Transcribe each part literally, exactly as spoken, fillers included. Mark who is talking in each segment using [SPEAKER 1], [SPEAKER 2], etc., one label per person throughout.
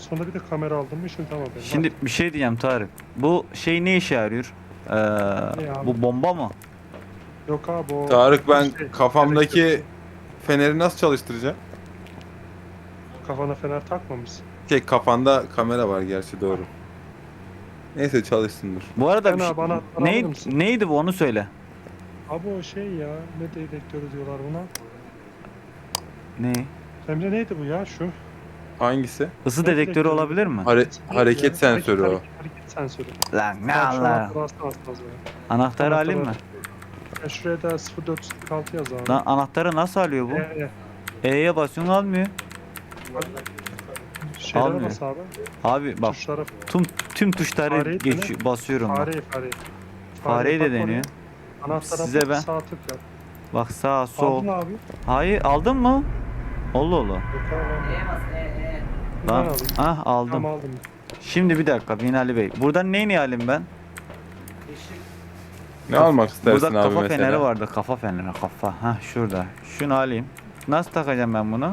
[SPEAKER 1] sonunda bir de kamera aldım mı şimdi tamam benim.
[SPEAKER 2] Şimdi bir şey diyeceğim Tarık. Bu şey ne işe yarıyor? Ee,
[SPEAKER 1] abi?
[SPEAKER 2] bu bomba mı?
[SPEAKER 1] Yok abi o...
[SPEAKER 3] Tarık ben
[SPEAKER 1] şey,
[SPEAKER 3] kafamdaki
[SPEAKER 1] elektrik-
[SPEAKER 3] feneri nasıl çalıştıracağım?
[SPEAKER 1] Kafana fener takmamışsın.
[SPEAKER 3] Şey kafanda kamera var gerçi doğru. Neyse çalışsın dur.
[SPEAKER 2] Bu arada
[SPEAKER 1] Sen
[SPEAKER 2] bir şey,
[SPEAKER 1] abi anahtarı alır
[SPEAKER 2] neydi,
[SPEAKER 1] mısın?
[SPEAKER 2] neydi bu onu söyle.
[SPEAKER 1] Abi o şey ya ne dedektörü diyorlar buna.
[SPEAKER 2] Ne?
[SPEAKER 1] Emre neydi bu ya şu?
[SPEAKER 3] Hangisi?
[SPEAKER 2] Isı
[SPEAKER 1] Ne
[SPEAKER 2] dedektörü
[SPEAKER 1] dedektörü?
[SPEAKER 2] olabilir mi?
[SPEAKER 3] Hare-
[SPEAKER 1] Neydi
[SPEAKER 3] hareket
[SPEAKER 1] ya?
[SPEAKER 3] sensörü
[SPEAKER 1] hareket,
[SPEAKER 3] o.
[SPEAKER 1] Hareket, hareket sensörü.
[SPEAKER 2] Lan ne
[SPEAKER 1] Tamam, şu
[SPEAKER 2] Allah.
[SPEAKER 1] anahtarı alsana az az böyle.
[SPEAKER 2] Anahtarı alayım mı?
[SPEAKER 1] Ya şuraya da sıfır dört sıfır altı yaz abi.
[SPEAKER 2] Lan anahtarı nasıl alıyor bu?
[SPEAKER 1] Ee,
[SPEAKER 2] E'ye basıyorsun almıyor.
[SPEAKER 1] şeylere
[SPEAKER 2] Almıyor.
[SPEAKER 1] bas abi.
[SPEAKER 2] Abi bak
[SPEAKER 1] Tuşlara.
[SPEAKER 2] tüm tüm tuşları
[SPEAKER 1] Fareyi
[SPEAKER 2] geç
[SPEAKER 1] dene.
[SPEAKER 2] basıyorum bak.
[SPEAKER 1] Fareyi fareyi.
[SPEAKER 2] Fareyi de
[SPEAKER 1] bak oraya.
[SPEAKER 2] deniyor.
[SPEAKER 1] Anahtara
[SPEAKER 2] Size
[SPEAKER 1] bak,
[SPEAKER 2] ben-
[SPEAKER 1] sağ tık yap.
[SPEAKER 2] Bak sağ sol.
[SPEAKER 1] Aldın abi.
[SPEAKER 2] Hayır aldın mı? Allah Allah.
[SPEAKER 1] Yok abi.
[SPEAKER 4] E'ye bas E E.
[SPEAKER 1] Ben
[SPEAKER 2] Lan
[SPEAKER 1] alayım.
[SPEAKER 2] ah aldım.
[SPEAKER 1] Tamam aldım.
[SPEAKER 2] Şimdi bir dakika Binali Bey. Buradan neyini alayım ben?
[SPEAKER 4] Işık.
[SPEAKER 3] Ne almak istersin
[SPEAKER 2] Burada
[SPEAKER 3] abi
[SPEAKER 2] kafa
[SPEAKER 3] mesela?
[SPEAKER 2] feneri vardı. Kafa feneri kafa. Ha şurada. Şunu alayım. Nasıl takacağım ben bunu?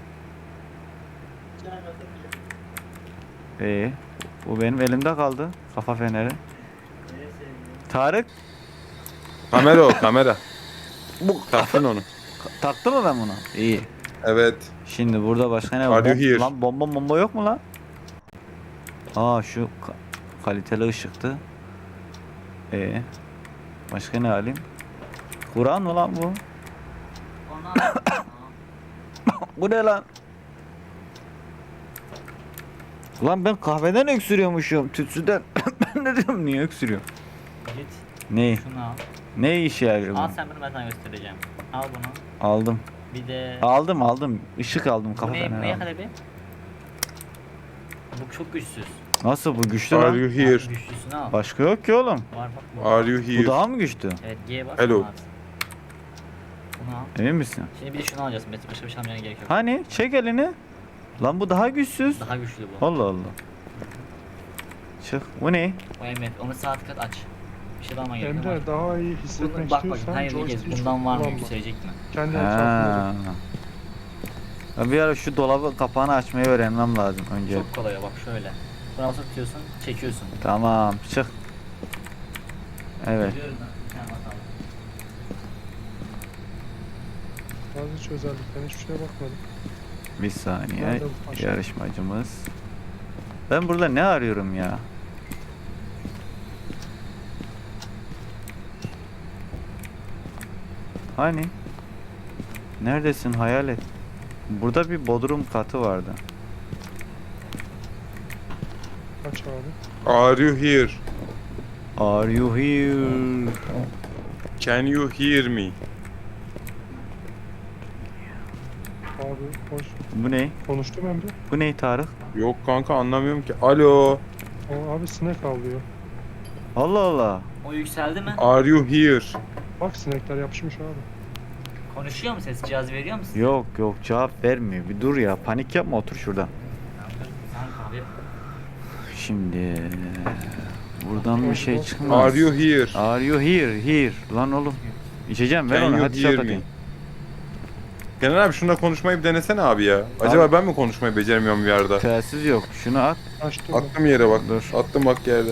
[SPEAKER 2] İyi. Bu benim elimde kaldı. Kafa feneri. Tarık
[SPEAKER 3] Kamera o kamera. Bu taktın onu.
[SPEAKER 2] taktı mı ben bunu? İyi.
[SPEAKER 3] Evet.
[SPEAKER 2] Şimdi burada başka ne
[SPEAKER 3] Are
[SPEAKER 2] var?
[SPEAKER 3] you here?
[SPEAKER 2] Lan bomba bomba yok mu lan? Aa şu ka- kaliteli ışıktı. Ee, başka ne alayım? Kur'an mı lan bu?
[SPEAKER 4] Ondan
[SPEAKER 2] Bu ne lan? Lan ben kahveden öksürüyormuşum. Tütsüden. Ben ne diyorum niye öksürüyorum?
[SPEAKER 4] git
[SPEAKER 2] Ne?
[SPEAKER 4] şunu al.
[SPEAKER 2] Ne işe yarıyor
[SPEAKER 4] Al
[SPEAKER 2] bu?
[SPEAKER 4] sen bunu ben sana göstereceğim. Al bunu.
[SPEAKER 2] Aldım.
[SPEAKER 4] Bir de
[SPEAKER 2] Aldım aldım. Işık aldım kafa
[SPEAKER 4] bu ne? Bu
[SPEAKER 2] feneri
[SPEAKER 4] ne
[SPEAKER 2] aldım.
[SPEAKER 4] kadar bir? Bu çok güçsüz.
[SPEAKER 2] Nasıl bu güçlü
[SPEAKER 3] Are
[SPEAKER 2] lan?
[SPEAKER 3] you
[SPEAKER 4] Al,
[SPEAKER 3] here?
[SPEAKER 4] güçlüsünü al.
[SPEAKER 2] Başka yok ki oğlum.
[SPEAKER 4] Var bak bu.
[SPEAKER 3] Are you
[SPEAKER 2] Bu
[SPEAKER 3] here?
[SPEAKER 2] daha mı güçlü?
[SPEAKER 4] Evet G'ye bas.
[SPEAKER 3] Hello.
[SPEAKER 4] bunu at. Bunu al.
[SPEAKER 2] Emin misin?
[SPEAKER 4] Şimdi bir de şunu alacaksın. Mesela başka bir şey almaya gerek yok.
[SPEAKER 2] Hani çek elini. Lan bu daha güçsüz.
[SPEAKER 4] Daha güçlü bu.
[SPEAKER 2] Allah Allah. Çık. Bu ne?
[SPEAKER 4] O Emre onu sağ tık at aç. Bir şey alman gerekiyor.
[SPEAKER 1] Emre daha iyi
[SPEAKER 4] Bunu,
[SPEAKER 1] hissetmek
[SPEAKER 4] bak bak
[SPEAKER 1] istiyorsan
[SPEAKER 4] hayır bir
[SPEAKER 1] joystick'i
[SPEAKER 4] kez
[SPEAKER 1] çok
[SPEAKER 4] bundan var mı
[SPEAKER 1] kullanma.
[SPEAKER 4] yükselecek mi?
[SPEAKER 1] Kendi etrafında.
[SPEAKER 2] Ha. Ya bir ara şu dolabı kapağını açmayı öğrenmem lazım önce.
[SPEAKER 4] Çok kolay o, bak şöyle. Buna basıp tutuyorsun, çekiyorsun.
[SPEAKER 2] Tamam çık. Evet.
[SPEAKER 4] Görüyorum ben, bir tane bakalım.
[SPEAKER 1] Bazı hiç özelliklerine hiçbir şeye bakmadım.
[SPEAKER 2] Bir saniye.
[SPEAKER 1] Nerede bu paşa?
[SPEAKER 2] Yarışmacımız. Ben burada ne arıyorum ya? Hani? Neredesin hayalet? Burada bir bodrum katı vardı.
[SPEAKER 1] Aç abi.
[SPEAKER 3] Are you here?
[SPEAKER 2] Are you here?
[SPEAKER 3] Can you hear me?
[SPEAKER 1] Abi hoş.
[SPEAKER 2] Bu ne?
[SPEAKER 1] Konuştum Emre.
[SPEAKER 2] Bu ne Tarık?
[SPEAKER 3] Yok kanka anlamıyorum ki. Alo.
[SPEAKER 1] O abi sinek avlıyor.
[SPEAKER 2] Allah Allah.
[SPEAKER 4] O yükseldi mi?
[SPEAKER 3] Are you here?
[SPEAKER 1] Bak sinekler yapışmış abi.
[SPEAKER 4] Konuşuyor mu ses? Cihaz veriyor musun?
[SPEAKER 2] Yok yok cevap vermiyor. Bir dur ya. Panik yapma otur şurada.
[SPEAKER 4] Sen kahve yap.
[SPEAKER 2] Şimdi buradan bir şey çıkmaz.
[SPEAKER 3] Are you here?
[SPEAKER 2] Are you here? Here. Lan oğlum. İçeceğim ver
[SPEAKER 3] Can
[SPEAKER 2] onu
[SPEAKER 3] you
[SPEAKER 2] hadi
[SPEAKER 3] hear
[SPEAKER 2] şap
[SPEAKER 3] me?
[SPEAKER 2] atayım.
[SPEAKER 3] Kenan abi şununla konuşmayı bir denesene abi ya. Acaba
[SPEAKER 2] Abi-
[SPEAKER 3] ben mi konuşmayı beceremiyorum bir yerde?
[SPEAKER 2] Telsiz yok. Şunu at.
[SPEAKER 1] Açtım.
[SPEAKER 3] Attım yere bak.
[SPEAKER 2] Dur.
[SPEAKER 3] Attım bak yerde.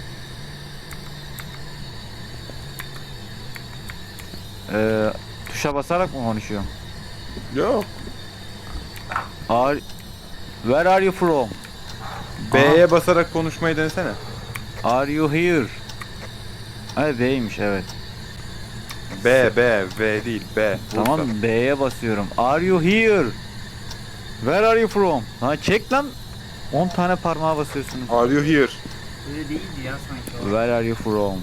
[SPEAKER 2] Ee, tuşa basarak mı konuşuyorum?
[SPEAKER 3] Yok.
[SPEAKER 2] Are, where are you from?
[SPEAKER 3] B'ye basarak konuşmayı denesene.
[SPEAKER 2] Are you here? Hayır B'ymiş evet.
[SPEAKER 3] B, B, V değil B.
[SPEAKER 2] Tamam B'ye basıyorum. Are you here? Where are you from? Ha çek lan. on tane parmağa basıyorsunuz.
[SPEAKER 3] Are you here?
[SPEAKER 4] Öyle değildi ya sanki o.
[SPEAKER 2] Where are you from?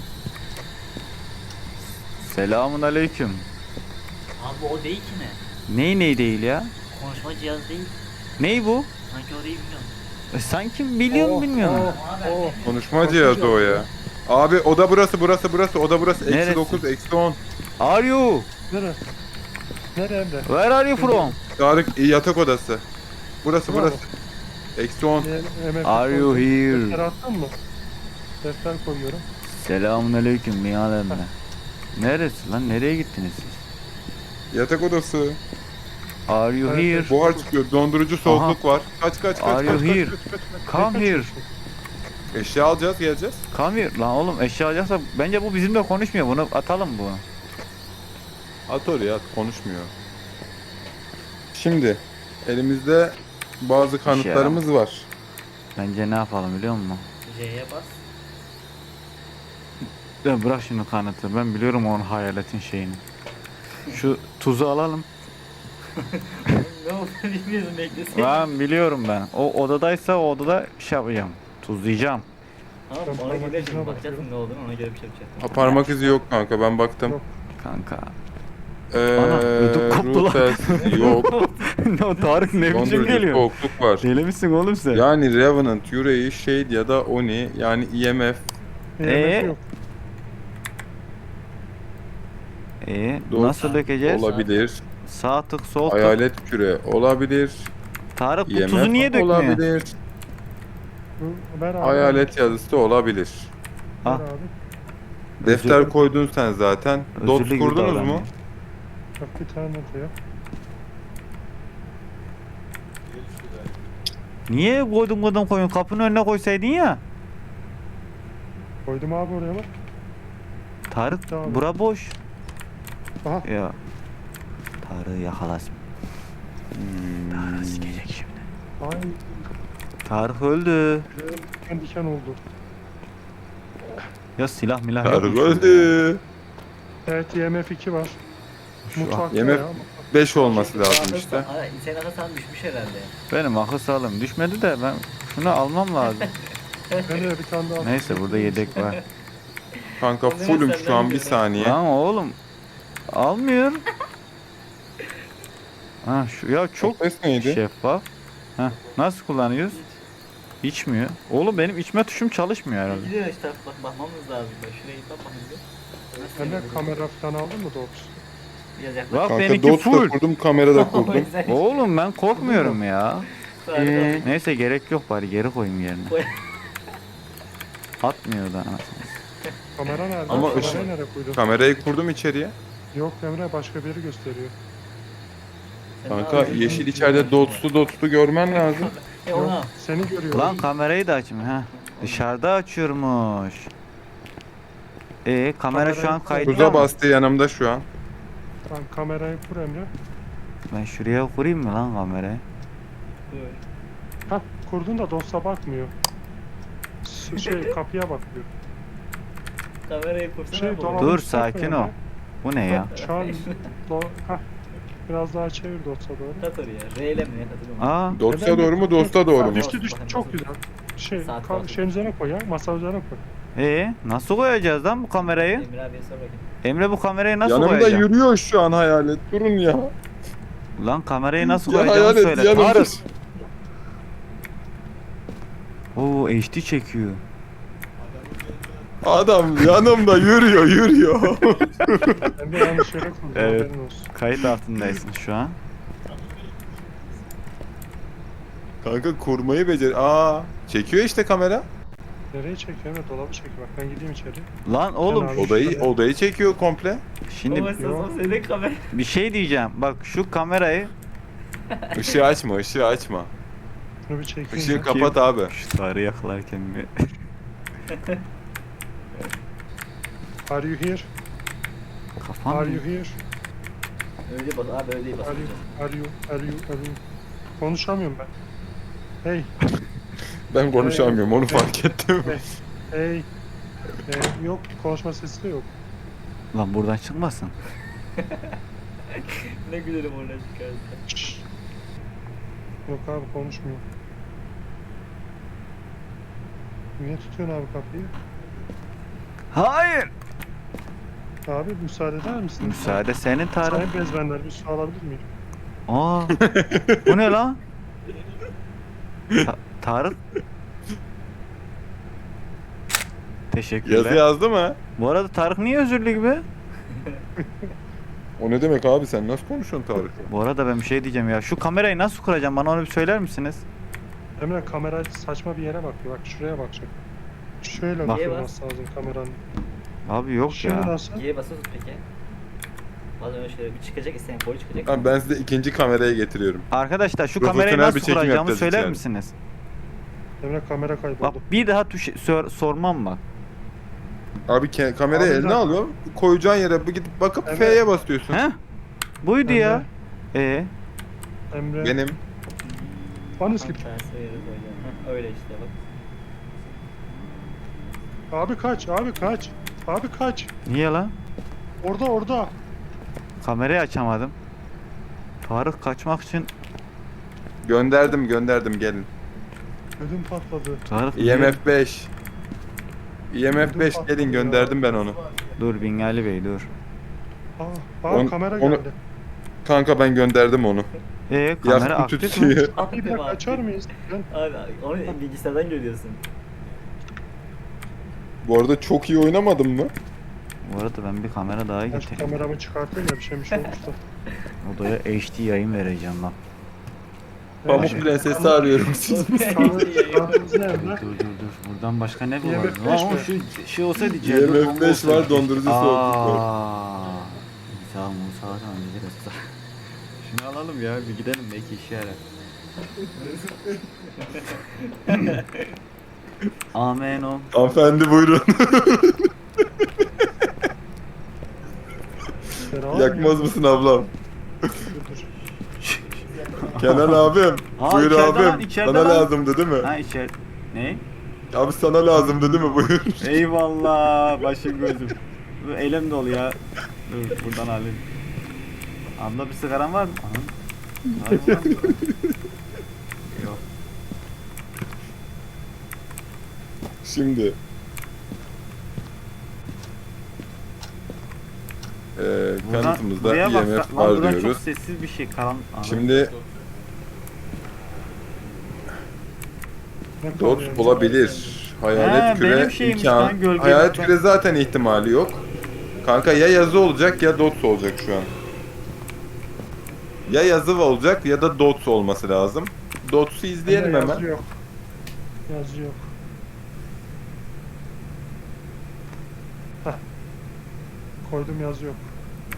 [SPEAKER 2] Selamun aleyküm.
[SPEAKER 4] Abi o değil ki ne?
[SPEAKER 2] Ney ney değil ya?
[SPEAKER 4] Konuşma cihazı değil.
[SPEAKER 2] Ney bu?
[SPEAKER 4] Sanki o değil biliyorum.
[SPEAKER 2] E, sanki biliyor mu
[SPEAKER 1] Oh,
[SPEAKER 2] bilmiyorum.
[SPEAKER 1] oh, oh.
[SPEAKER 3] Konuşma cihazı o ya. Abi oda burası burası burası oda burası eksi
[SPEAKER 2] Neresi?
[SPEAKER 3] dokuz eksi on.
[SPEAKER 2] Are you?
[SPEAKER 1] Nere? Nere Emre?
[SPEAKER 2] Where are you from?
[SPEAKER 3] Tarık yatak odası. Burası
[SPEAKER 1] Bravo.
[SPEAKER 3] burası. Eksi on.
[SPEAKER 1] Ne- M F
[SPEAKER 2] Are you
[SPEAKER 1] koydum. Defter
[SPEAKER 2] here?
[SPEAKER 1] attın mı? Defter koyuyorum.
[SPEAKER 2] Selamun aleyküm Nihal emmi. Neresi lan? Nereye gittiniz siz?
[SPEAKER 3] Yatak odası.
[SPEAKER 2] Are you
[SPEAKER 1] Evet,
[SPEAKER 2] here?
[SPEAKER 3] Buhar çıkıyor. Dondurucu soğukluk var. Kaç kaç kaç
[SPEAKER 2] Are you
[SPEAKER 3] kaç.
[SPEAKER 2] here?
[SPEAKER 1] Kaç, kaç, kaç, kaç,
[SPEAKER 2] Come
[SPEAKER 1] kaç,
[SPEAKER 2] here.
[SPEAKER 1] kaç.
[SPEAKER 3] Eşya alacağız geleceğiz.
[SPEAKER 2] Come here. Lan oğlum eşya alacaksa bence bu bizimle konuşmuyor. Bunu atalım bu.
[SPEAKER 3] At oraya at. Konuşmuyor. Şimdi elimizde bazı kanıtlarımız var.
[SPEAKER 2] Bence ne yapalım biliyor musun?
[SPEAKER 4] J'ye bas.
[SPEAKER 2] Ya bırak şimdi kanıtı. Ben biliyorum onun hayaletin şeyini. Şu tuzu alalım.
[SPEAKER 4] Ne oldu bilmiyorum beklesin.
[SPEAKER 2] Ben biliyorum ben. O odadaysa o odada şey yapacağım. Tuzlayacağım.
[SPEAKER 4] Tamam
[SPEAKER 1] Ben
[SPEAKER 4] ona
[SPEAKER 1] parmak
[SPEAKER 4] göre
[SPEAKER 1] izine
[SPEAKER 4] şimdi bakacaksın
[SPEAKER 1] bakıyorum.
[SPEAKER 4] ne olduğunu ona göre bir şey yapacaksın.
[SPEAKER 3] Ha, parmak izi yok kanka ben baktım.
[SPEAKER 1] Yok.
[SPEAKER 2] Kanka.
[SPEAKER 3] Ee,
[SPEAKER 2] Ana, ödüm koptu lan.
[SPEAKER 3] Rutels yok.
[SPEAKER 2] o Tarık ne biçim
[SPEAKER 3] Dondurucu
[SPEAKER 2] geliyor?
[SPEAKER 3] soğukluk var.
[SPEAKER 2] Deli misin oğlum sen?
[SPEAKER 3] Yani Revenant, Yüreği, Shade ya da Oni yani E M F.
[SPEAKER 1] E M F
[SPEAKER 2] Ee?
[SPEAKER 1] yok.
[SPEAKER 2] Ee,
[SPEAKER 3] Dost
[SPEAKER 2] nasıl dökeceğiz?
[SPEAKER 3] olabilir.
[SPEAKER 2] Sağ tık sol tık.
[SPEAKER 3] Hayalet küre olabilir.
[SPEAKER 2] Tarık bu
[SPEAKER 3] E M F
[SPEAKER 2] tuzu niye dökmüyor?
[SPEAKER 3] olabilir.
[SPEAKER 1] Bu- Ver abi.
[SPEAKER 3] Hayalet yazısı olabilir.
[SPEAKER 1] Ver
[SPEAKER 2] Ah.
[SPEAKER 1] abi.
[SPEAKER 3] Defter
[SPEAKER 2] Özürlü-
[SPEAKER 3] koydun sen zaten. Dot
[SPEAKER 2] özürlü gibi
[SPEAKER 3] kurdunuz mu?
[SPEAKER 2] davranıyor.
[SPEAKER 1] Bak bir tane de ya.
[SPEAKER 2] Niye koydun koydun koyun? Kapının önüne koysaydın ya.
[SPEAKER 1] Koydum abi oraya bak.
[SPEAKER 2] Tarık
[SPEAKER 1] Tamam.
[SPEAKER 2] bura boş.
[SPEAKER 1] Aha.
[SPEAKER 2] Ya. Tarık'ı yakalasın.
[SPEAKER 3] Hmm.
[SPEAKER 2] Tarık sikecek şimdi.
[SPEAKER 1] Ay.
[SPEAKER 2] Tarık öldü.
[SPEAKER 1] Diken diken oldu.
[SPEAKER 2] Ya silah milah
[SPEAKER 3] Tarık
[SPEAKER 2] yokmuş
[SPEAKER 3] öldü.
[SPEAKER 1] Evet E M F iki var.
[SPEAKER 2] Şu an-
[SPEAKER 1] Mutfakta
[SPEAKER 3] E M F
[SPEAKER 1] ya.
[SPEAKER 3] beş olması lazım işte.
[SPEAKER 4] Ay, sen atasan düşmüş herhalde.
[SPEAKER 2] Benim akıl sağlığım düşmedi de ben şunu almam lazım.
[SPEAKER 1] Ben de bir tane daha.
[SPEAKER 2] Neyse burada yedek var.
[SPEAKER 3] Kanka fullüm şu an bir saniye.
[SPEAKER 2] Lan oğlum almıyor. Ha şu ya çok
[SPEAKER 3] Ses neydi?
[SPEAKER 2] şeffaf. Heh, nasıl kullanıyoruz? İçmiyor. Oğlum benim içme tuşum çalışmıyor herhalde.
[SPEAKER 4] Gidiyor işte bak bakmamız lazım. Bak şuraya git bak bakayım bir. Nasıl
[SPEAKER 1] Sen de
[SPEAKER 4] yapıyoruz?
[SPEAKER 1] kamera falan aldın mı Dops?
[SPEAKER 4] Biraz yaklaş.
[SPEAKER 2] Bak
[SPEAKER 3] Kanka
[SPEAKER 2] benimki
[SPEAKER 3] dot da
[SPEAKER 2] full.
[SPEAKER 3] kurdum, kamera da
[SPEAKER 4] O
[SPEAKER 3] kurdum.
[SPEAKER 4] yüzden-
[SPEAKER 2] Oğlum ben korkmuyorum ya.
[SPEAKER 4] Sarı-
[SPEAKER 2] Neyse gerek yok bari geri koyayım yerine.
[SPEAKER 4] Koy.
[SPEAKER 2] Atmıyor da anasını.
[SPEAKER 1] Kamera nerede?
[SPEAKER 3] Ama
[SPEAKER 1] Kamerayı
[SPEAKER 3] ışık-
[SPEAKER 1] nereye koydun?
[SPEAKER 3] Kamerayı kurdum içeriye.
[SPEAKER 1] Yok Emre başka bir yeri gösteriyor.
[SPEAKER 4] Sen ne
[SPEAKER 3] Kanka
[SPEAKER 4] yapıyorsun?
[SPEAKER 3] yeşil içeride dotslu dotslu görmen lazım.
[SPEAKER 4] E
[SPEAKER 1] Yok
[SPEAKER 4] ona.
[SPEAKER 1] seni görüyor.
[SPEAKER 2] Lan kamerayı da açmıyor ha. Dışarıda açıyormuş. E kamera şu an kayıtta
[SPEAKER 3] Tuza
[SPEAKER 2] mı?
[SPEAKER 3] bastı yanımda şu an.
[SPEAKER 1] Lan kamerayı kur Emre.
[SPEAKER 2] Ben şuraya kurayım mı lan kamerayı?
[SPEAKER 1] Ha kurdun da Dops'a bakmıyor. S- Şey kapıya bakıyor.
[SPEAKER 4] Kamerayı kursana
[SPEAKER 1] Şey,
[SPEAKER 4] bu.
[SPEAKER 1] dolabın
[SPEAKER 2] Dur
[SPEAKER 1] üstüne koy
[SPEAKER 2] sakin
[SPEAKER 1] Emre.
[SPEAKER 2] ol. Bu ne ya?
[SPEAKER 1] Şu an do Hah. Biraz daha çevir Dops'a doğru.
[SPEAKER 4] Kat oraya. R ile mi ne katılıyor mu?
[SPEAKER 2] Aa
[SPEAKER 3] Dotsa doğru mu, dosta doğru mu?
[SPEAKER 1] Düştü düştü çok güzel. Şey,
[SPEAKER 4] Saat
[SPEAKER 1] ka-
[SPEAKER 4] kaldı.
[SPEAKER 1] şeyin üzerine koy ya, masa üzerine koy.
[SPEAKER 2] e nasıl koyacağız lan bu kamerayı?
[SPEAKER 4] Emre abiye sor bakayım.
[SPEAKER 2] Emre bu kamerayı nasıl
[SPEAKER 3] Yanımda
[SPEAKER 2] koyacağım?
[SPEAKER 3] yürüyor şu an hayalet. Durun ya.
[SPEAKER 2] Lan kamerayı nasıl
[SPEAKER 3] Ya
[SPEAKER 2] koyacağımı
[SPEAKER 3] hayalet
[SPEAKER 2] söyle.
[SPEAKER 3] yanımda.
[SPEAKER 2] Tarık. Oo H D çekiyor.
[SPEAKER 3] Adam yanımda yürüyor yürüyor.
[SPEAKER 1] Emre yanlış yere koydun,
[SPEAKER 2] Evet.
[SPEAKER 1] haberin olsun.
[SPEAKER 2] Kayıt altındaysın şu an.
[SPEAKER 3] Kanka kurmayı becer. Aa, çekiyor işte kamera.
[SPEAKER 1] Nereye çekiyor? Evet dolabı çekiyor. Bak ben gideyim içeri.
[SPEAKER 2] Lan oğlum
[SPEAKER 1] abi.
[SPEAKER 3] Odayı odayı çekiyor komple.
[SPEAKER 2] şimdi
[SPEAKER 4] Ama sen o senin kamera.
[SPEAKER 2] bir şey diyeceğim. Bak şu kamerayı
[SPEAKER 3] Işığı açma, ışığı açma.
[SPEAKER 1] Şunu bir çekeyim.
[SPEAKER 3] Işığı
[SPEAKER 1] ya.
[SPEAKER 3] kapat abi.
[SPEAKER 2] şu Tarık'ı yakalarken bir
[SPEAKER 1] Are you here?
[SPEAKER 2] kafam
[SPEAKER 1] Are you here?
[SPEAKER 4] Öyle bas abi öyle bas.
[SPEAKER 1] Are you? Are you? Are you? Are you? Konuşamıyorum ben. Hey,
[SPEAKER 3] Ben konuşamıyorum onu fark ettim.
[SPEAKER 1] hey. Ee, yok konuşma sesi de yok.
[SPEAKER 2] lan buradan çıkmasın.
[SPEAKER 4] Ne gülerim oradan çıkarsa.
[SPEAKER 1] Şşş. Yok abi konuşmuyor. Niye tutuyorsun abi kapıyı?
[SPEAKER 2] Hayır.
[SPEAKER 1] Abi müsaade eder misin?
[SPEAKER 2] Müsaade senin Tarık.
[SPEAKER 1] Sayın bezmenler bir su alabilir miyim?
[SPEAKER 2] Aa. Bu ne lan? Ta- Tarık. Teşekkürler.
[SPEAKER 3] Yazı yazdı mı?
[SPEAKER 2] Bu arada Tarık niye özürlü gibi?
[SPEAKER 3] O ne demek abi sen nasıl konuşuyorsun Tarık'la?
[SPEAKER 2] Bu arada ben bir şey diyeceğim ya. Şu kamerayı nasıl kuracağım? Bana onu bir söyler misiniz?
[SPEAKER 1] Emre kamera saçma bir yere bakıyor. Bak şuraya bakacak. Şöyle
[SPEAKER 2] Bak.
[SPEAKER 1] bakılması lazım kameranın.
[SPEAKER 2] Abi yok
[SPEAKER 1] Şimdi
[SPEAKER 2] ya.
[SPEAKER 1] nasıl?
[SPEAKER 4] Y'ye basıyorsun peki. Bazen öyle şeyler bir çıkacak isten boyu çıkacak.
[SPEAKER 3] Tamam, ben size ikinci kameraya getiriyorum.
[SPEAKER 2] Arkadaşlar şu
[SPEAKER 3] Profesyonel
[SPEAKER 2] kamerayı
[SPEAKER 3] bir
[SPEAKER 2] nasıl
[SPEAKER 3] çekim
[SPEAKER 2] kuracağımı
[SPEAKER 3] yapacağız
[SPEAKER 2] söyler
[SPEAKER 3] içeride.
[SPEAKER 2] misiniz?
[SPEAKER 1] Emre kamera
[SPEAKER 2] Bak
[SPEAKER 1] kayboldu.
[SPEAKER 2] bir daha tuş sor- sormam bak.
[SPEAKER 3] Abi ke- kamerayı
[SPEAKER 1] Abi
[SPEAKER 3] eline
[SPEAKER 1] ben-
[SPEAKER 3] alıyor. Koyacağın yere bir gidip bakıp
[SPEAKER 1] Evet.
[SPEAKER 3] F'ye basıyorsun.
[SPEAKER 2] He? Buydu
[SPEAKER 1] Emre.
[SPEAKER 2] ya. E
[SPEAKER 1] Emre.
[SPEAKER 3] Benim.
[SPEAKER 1] Anı
[SPEAKER 4] Tam
[SPEAKER 1] skip.
[SPEAKER 4] tersi yere koyacağım. Heh, öyle işte bak.
[SPEAKER 1] Abi kaç, abi kaç. Abi kaç.
[SPEAKER 2] niye lan?
[SPEAKER 1] Orada orada.
[SPEAKER 2] Kamerayı açamadım. Tarık kaçmak için
[SPEAKER 3] Gönderdim gönderdim gelin.
[SPEAKER 1] Ödüm patladı.
[SPEAKER 2] Tarık
[SPEAKER 3] I M F beş. I M F beş gelin, gönderdim ben onu.
[SPEAKER 2] dur Bingali Bey dur.
[SPEAKER 1] Aa, aa
[SPEAKER 3] On-
[SPEAKER 1] kamera
[SPEAKER 3] onu-
[SPEAKER 1] geldi.
[SPEAKER 3] Kanka ben gönderdim onu.
[SPEAKER 2] E kamera
[SPEAKER 3] Yaktı
[SPEAKER 2] aktif mi?
[SPEAKER 3] tutuyor.
[SPEAKER 1] Abi bir dakika açar mıyız? Ben
[SPEAKER 4] Abi onu bilgisayardan görüyorsun.
[SPEAKER 3] Bu arada çok iyi oynamadın mı?
[SPEAKER 2] Bu arada ben bir kamera daha
[SPEAKER 1] ben şu
[SPEAKER 2] getireyim.
[SPEAKER 1] kameramı çıkartayım ya bir şeymiş olmuş da.
[SPEAKER 2] Odaya H D yayın vereceğim lan.
[SPEAKER 3] Pamuk
[SPEAKER 1] Şey-
[SPEAKER 3] Prenses'i arıyorum siz.
[SPEAKER 1] Kanalımız ne
[SPEAKER 2] Dur
[SPEAKER 1] Emre?
[SPEAKER 2] dur dur dur. Buradan başka ne
[SPEAKER 1] Y M F
[SPEAKER 2] buluruz?
[SPEAKER 1] beş
[SPEAKER 2] Ama
[SPEAKER 1] mi?
[SPEAKER 2] şu şey olsaydı
[SPEAKER 3] Y
[SPEAKER 2] Celil
[SPEAKER 3] M F
[SPEAKER 2] Kongo
[SPEAKER 3] beş
[SPEAKER 2] olsaydı.
[SPEAKER 3] var, dondurucu soğukluk var.
[SPEAKER 2] Aa, Sağ mı sağ mı gideriz. Şunu alalım ya bir gidelim belki işe yarar. Amen o.
[SPEAKER 3] Hanımefendi buyurun.
[SPEAKER 1] Beraber
[SPEAKER 3] Yakmaz
[SPEAKER 1] mi?
[SPEAKER 3] mısın ablam?
[SPEAKER 1] Dur.
[SPEAKER 3] Kenan abim.
[SPEAKER 2] Aa,
[SPEAKER 3] Buyur
[SPEAKER 2] içeride
[SPEAKER 3] abim.
[SPEAKER 2] lan, içeride
[SPEAKER 3] Sana
[SPEAKER 2] lan.
[SPEAKER 3] lazımdı değil mi?
[SPEAKER 2] Ha içer. Ne?
[SPEAKER 3] Abi sana lazımdı değil mi? Buyur.
[SPEAKER 2] Eyvallah başım gözüm. Bu elim dolu ya. Dur buradan alayım. Abla bir sigaran var mı? Aha. Var mı lan? Yok.
[SPEAKER 3] Şimdi. Ee,
[SPEAKER 2] Buradan,
[SPEAKER 3] kanıtımızda
[SPEAKER 2] buraya
[SPEAKER 3] I
[SPEAKER 2] bak.
[SPEAKER 3] M
[SPEAKER 2] Lan
[SPEAKER 3] F var
[SPEAKER 2] buradan çok
[SPEAKER 3] diyoruz.
[SPEAKER 2] sessiz bir şey. Karan. Aha.
[SPEAKER 3] Şimdi
[SPEAKER 1] Ne kaldı
[SPEAKER 3] dot
[SPEAKER 1] yani?
[SPEAKER 3] olabilir. Hayalet
[SPEAKER 2] Ha,
[SPEAKER 3] küre
[SPEAKER 2] benim şeymiş
[SPEAKER 3] imkan.
[SPEAKER 2] lan, gölge
[SPEAKER 3] Hayalet
[SPEAKER 2] zaten.
[SPEAKER 3] küre zaten ihtimali yok. Kanka ya yazı olacak ya dots olacak şu an. Ya yazı olacak ya da dots olması lazım. Dots'u izleyelim
[SPEAKER 1] Emre,
[SPEAKER 3] hemen.
[SPEAKER 1] Yazı yok. Yazı yok. Heh. Koydum yazı yok.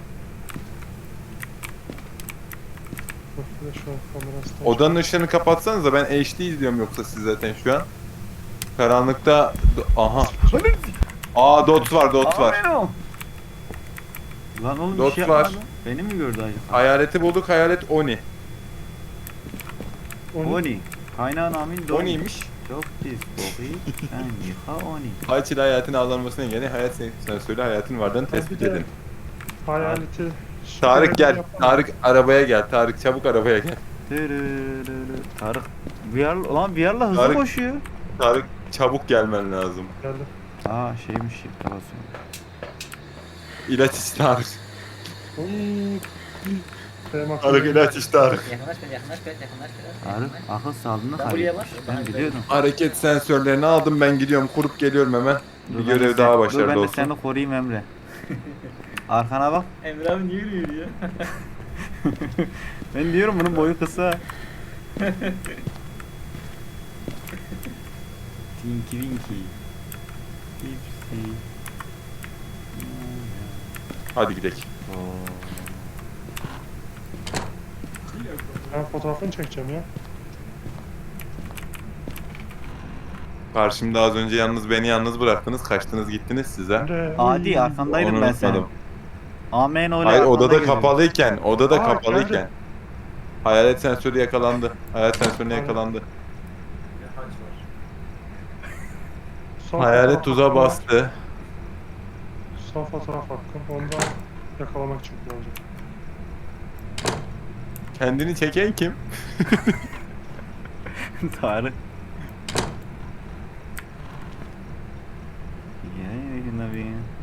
[SPEAKER 1] Bak bir de şu an kamerası.
[SPEAKER 3] Odanın ışığını kapatsanız da ben H D izliyorum yoksa siz zaten şu an. Karanlıkta aha. Aa dots var, dots var.
[SPEAKER 2] Amen o. Lan oğlum bir
[SPEAKER 3] Dot
[SPEAKER 2] şey
[SPEAKER 3] var.
[SPEAKER 2] yapmadı. Beni mi gördü acaba?
[SPEAKER 3] Hayaleti bulduk, hayalet Oni.
[SPEAKER 1] Oni.
[SPEAKER 2] Oni. Kaynağın amin doni.
[SPEAKER 3] Oni'ymiş.
[SPEAKER 2] Çok pis boğuyu. Sen yıka Oni.
[SPEAKER 3] Hayat ile hayatın avlanmasına engeli hayat sensörü hayatın varlığını
[SPEAKER 1] Ha,
[SPEAKER 3] tespit
[SPEAKER 1] bir de
[SPEAKER 3] edin.
[SPEAKER 1] Hayaleti.
[SPEAKER 3] Tarık gel.
[SPEAKER 1] Yapalım.
[SPEAKER 3] Tarık arabaya gel. Tarık çabuk arabaya gel.
[SPEAKER 2] Dırırırı. Tarık. V R, lan V R'la hızlı
[SPEAKER 3] Tarık-
[SPEAKER 2] koşuyor.
[SPEAKER 3] Tarık çabuk gelmen lazım.
[SPEAKER 1] Geldim.
[SPEAKER 2] Aa şeymiş shift'e basıyor.
[SPEAKER 3] İlaç iç Tarık.
[SPEAKER 1] Oy. Benim aklıma
[SPEAKER 3] Tarık
[SPEAKER 1] geldi.
[SPEAKER 3] ilaç iç Tarık.
[SPEAKER 4] Yaklaş biraz yaklaş biraz yaklaş biraz.
[SPEAKER 2] Tarık akıl sağlığını
[SPEAKER 4] Ben buraya
[SPEAKER 2] kaybetmiş.
[SPEAKER 4] bak.
[SPEAKER 2] Ben biliyordum.
[SPEAKER 3] Hareket sensörlerini aldım, ben gidiyorum, kurup geliyorum hemen.
[SPEAKER 2] Dur
[SPEAKER 3] Bir
[SPEAKER 2] ben de
[SPEAKER 3] görev
[SPEAKER 2] sen-
[SPEAKER 3] daha
[SPEAKER 2] Dur
[SPEAKER 3] başarılı
[SPEAKER 2] ben de
[SPEAKER 3] olsun.
[SPEAKER 2] seni koruyayım Emre. Arkana bak.
[SPEAKER 4] Emre abi niye yürüyor ya?
[SPEAKER 2] Ben diyorum bunun boyu kısa. Tinky Winky. Dipsy.
[SPEAKER 3] Hadi gidelim.
[SPEAKER 2] Oo.
[SPEAKER 1] Ben fotoğrafını çekeceğim ya.
[SPEAKER 3] Karşımda az önce yalnız beni yalnız bıraktınız, kaçtınız gittiniz size.
[SPEAKER 1] Emre,
[SPEAKER 2] Adi
[SPEAKER 1] oy.
[SPEAKER 2] arkandaydım
[SPEAKER 3] Onu
[SPEAKER 2] ben senin.
[SPEAKER 3] unutmadım.
[SPEAKER 2] Amen öyle
[SPEAKER 3] Hayır,
[SPEAKER 2] arkanda
[SPEAKER 3] odada
[SPEAKER 2] geldim.
[SPEAKER 3] kapalıyken, odada
[SPEAKER 1] Aa,
[SPEAKER 3] kapalıyken.
[SPEAKER 1] geldi.
[SPEAKER 3] Hayalet sensörü yakalandı. Hayalet sensörüne
[SPEAKER 1] Aynen.
[SPEAKER 3] yakalandı.
[SPEAKER 1] Son
[SPEAKER 3] Hayalet
[SPEAKER 1] fotoğraf
[SPEAKER 3] tuzağa
[SPEAKER 1] hakkım var.
[SPEAKER 3] bastı.
[SPEAKER 1] Son fotoğraf hakkım. Onu da yakalamak için kullanacağım.
[SPEAKER 3] Kendini çeken kim?
[SPEAKER 2] Tarık. Ya Nabi.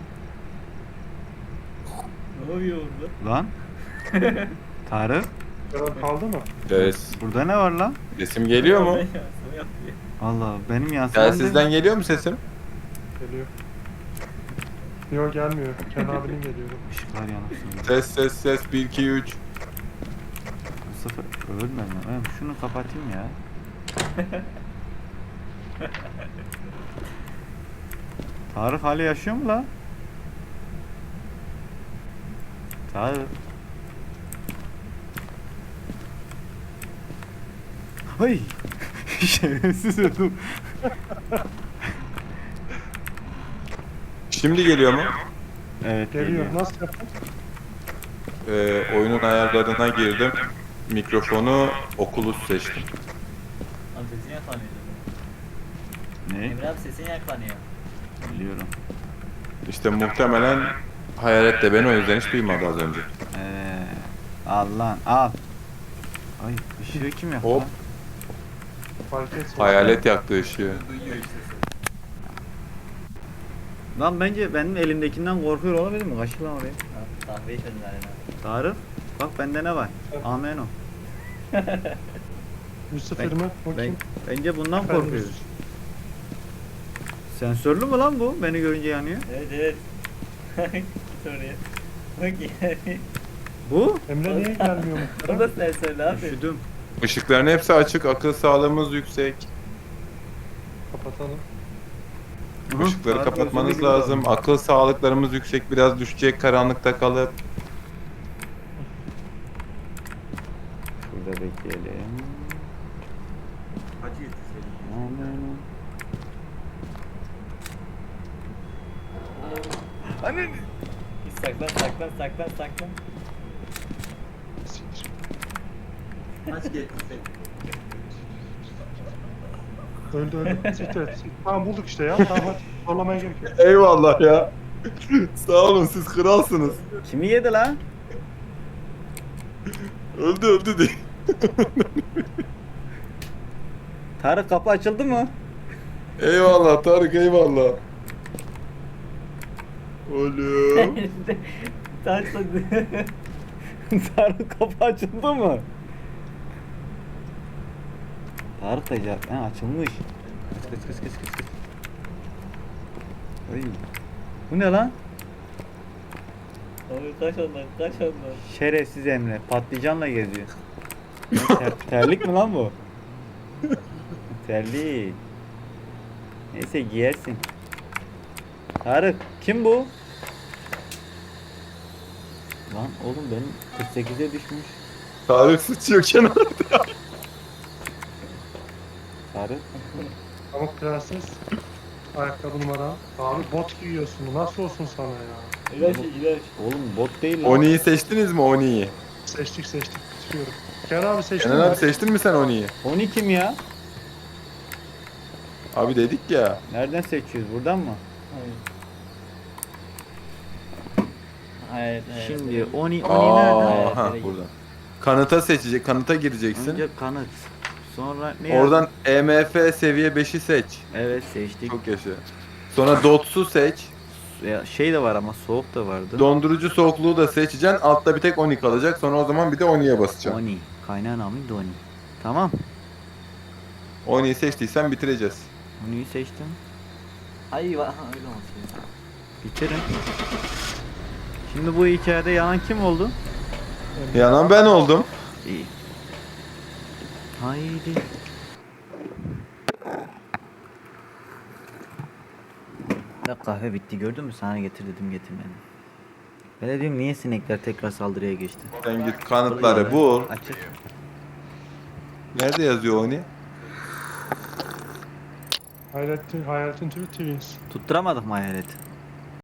[SPEAKER 4] Ne oluyor orada?
[SPEAKER 2] Lan. Tarık.
[SPEAKER 1] Görev kaldı mı?
[SPEAKER 3] Evet.
[SPEAKER 2] Burada ne var lan?
[SPEAKER 3] Sesim geliyor mu?
[SPEAKER 4] Ben yansıma yapıyor.
[SPEAKER 2] Allah benim yansımam
[SPEAKER 3] Telsizden geliyor mu sesim?
[SPEAKER 1] Geliyor. Yok gelmiyor. Kenan abinin geliyor.
[SPEAKER 2] Işıklar yanıp
[SPEAKER 3] Ses ses ses bir iki üç.
[SPEAKER 2] Bu sefer ölmem lan. Ben şunu kapatayım ya. Tarık hala yaşıyor mu lan? Tarık. Ay. Şerefsiz ödüm.
[SPEAKER 3] Şimdi geliyor mu?
[SPEAKER 2] Evet
[SPEAKER 1] Geliyor. Nasıl yaptın?
[SPEAKER 3] Ee, oyunun ayarlarına girdim. Mikrofonu Oculus seçtim.
[SPEAKER 4] Abi sesin yakalanıyor.
[SPEAKER 2] Ne?
[SPEAKER 4] Emre abi sesin yakalanıyor.
[SPEAKER 2] Biliyorum.
[SPEAKER 3] İşte muhtemelen Hayalet de beni o yüzden hiç duymadı az önce.
[SPEAKER 2] Ee, al lan al. Ay ışığı kim yaktı
[SPEAKER 3] Hop.
[SPEAKER 2] lan?
[SPEAKER 1] Fark etsin.
[SPEAKER 3] Hayalet yaktı ışığı.
[SPEAKER 4] Duyuyor işte seni.
[SPEAKER 2] Lan bence benim elimdekinden korkuyor olabilir mi? Kaçır lan oraya.
[SPEAKER 4] Ha, Kahveyi çözün abi.
[SPEAKER 2] Tarık. Bak bende ne var?
[SPEAKER 1] Evet.
[SPEAKER 2] Amen o.
[SPEAKER 1] Lucifer
[SPEAKER 2] Ben-
[SPEAKER 1] mi? O
[SPEAKER 2] Ben,
[SPEAKER 1] kim?
[SPEAKER 2] bence bundan
[SPEAKER 1] Efendim,
[SPEAKER 2] korkuyoruz. Sensörlü mü lan bu? Beni görünce yanıyor.
[SPEAKER 4] Evet evet. Git oraya. Bak yani.
[SPEAKER 2] Bu?
[SPEAKER 1] Emre niye gelmiyor mu?
[SPEAKER 4] O da sensörlü abi.
[SPEAKER 2] Üşüdüm.
[SPEAKER 3] Işıkların hepsi açık, akıl sağlığımız yüksek.
[SPEAKER 1] Kapatalım.
[SPEAKER 2] Hı,
[SPEAKER 3] Işıkları
[SPEAKER 2] Tarık
[SPEAKER 3] kapatmanız
[SPEAKER 2] özürlü gibi
[SPEAKER 3] lazım.
[SPEAKER 2] davranıyor.
[SPEAKER 3] Akıl sağlıklarımız yüksek, biraz düşecek karanlıkta kalıp.
[SPEAKER 2] Şurada bekleyelim.
[SPEAKER 4] Hacı yetişelim.
[SPEAKER 2] Amen o. Annen.
[SPEAKER 4] Git saklan saklan saklan saklan.
[SPEAKER 1] Siktir.
[SPEAKER 4] Aç getirsin.
[SPEAKER 1] Öldü öldü. Siktir et. Siktir. Tamam bulduk işte ya. Tamam hadi. Zorlamaya gerek yok.
[SPEAKER 3] Eyvallah ya. Sağ olun, siz kralsınız.
[SPEAKER 2] Kimi yedi lan?
[SPEAKER 3] Öldü öldü diye.
[SPEAKER 2] Tarık kapı açıldı mı?
[SPEAKER 3] Eyvallah Tarık, eyvallah. Oğlum.
[SPEAKER 4] Taş tadı.
[SPEAKER 2] Tarık kapı açıldı mı? Tarık da cevap. Ha açılmış. Kıs kıs kıs kıs kıs kıs. Oy. Bu ne lan?
[SPEAKER 4] Abi kaç ondan kaç ondan.
[SPEAKER 2] Şerefsiz Emre. Patlıcanla geziyor. Ne, ter- terlik mi lan bu? Terlik. Neyse giyersin. Tarık kim bu? Lan oğlum benim kırk sekize düşmüş.
[SPEAKER 3] Tarık sıçıyor kenarda.
[SPEAKER 2] Tarık.
[SPEAKER 1] Pamuk prenses. Ayakkabı numara. Abi bot giyiyorsun. Nasıl olsun sana ya?
[SPEAKER 4] İlaç ilaç.
[SPEAKER 2] Oğlum bot değil lan.
[SPEAKER 3] Oni'yi seçtiniz mi Oni'yi?
[SPEAKER 1] Seçtik seçtik. Bitiriyorum. Kenan abi seçtin
[SPEAKER 3] Kenan
[SPEAKER 1] mi?
[SPEAKER 3] abi seçtin mi sen Oni'yi?
[SPEAKER 2] Oni kim ya?
[SPEAKER 3] Abi dedik ya.
[SPEAKER 2] Nereden seçiyoruz? Buradan mı?
[SPEAKER 4] Evet, evet.
[SPEAKER 2] Şimdi Oni Oni nereden?
[SPEAKER 3] Aa, ha,
[SPEAKER 4] Evet.
[SPEAKER 3] buradan. Kanıta seçecek, kanıta gireceksin.
[SPEAKER 2] Önce kanıt. Sonra ne
[SPEAKER 3] Oradan E M F seviye beşi seç.
[SPEAKER 2] Evet seçtik.
[SPEAKER 3] Çok yaşa. Sonra Dots'u seç.
[SPEAKER 2] Ya, şey de var ama soğuk da vardı.
[SPEAKER 3] Dondurucu soğukluğu da seçeceksin. Altta bir tek Oni kalacak. Sonra o zaman bir de Oni'ye basacaksın.
[SPEAKER 2] Oni. Kaynağı namı Doni. Tamam.
[SPEAKER 3] Oni'yi seçtiysen bitireceğiz.
[SPEAKER 2] Oni'yi seçtim.
[SPEAKER 4] Ay va- ha, öyle olsun.
[SPEAKER 2] Bitirin. Şimdi bu hikayede yanan kim oldu?
[SPEAKER 3] Yanan ben oldum.
[SPEAKER 2] İyi. Haydi. Ya kahve bitti gördün mü? Sana getir dedim getirmedin. Ben de diyorum niye sinekler tekrar saldırıya geçti?
[SPEAKER 3] Sen git kanıtları bul.
[SPEAKER 2] Açık.
[SPEAKER 3] Nerede yazıyor Oni?
[SPEAKER 1] Hayaletin, hayaletin tüyü twins.
[SPEAKER 2] Tutturamadık mı hayaleti?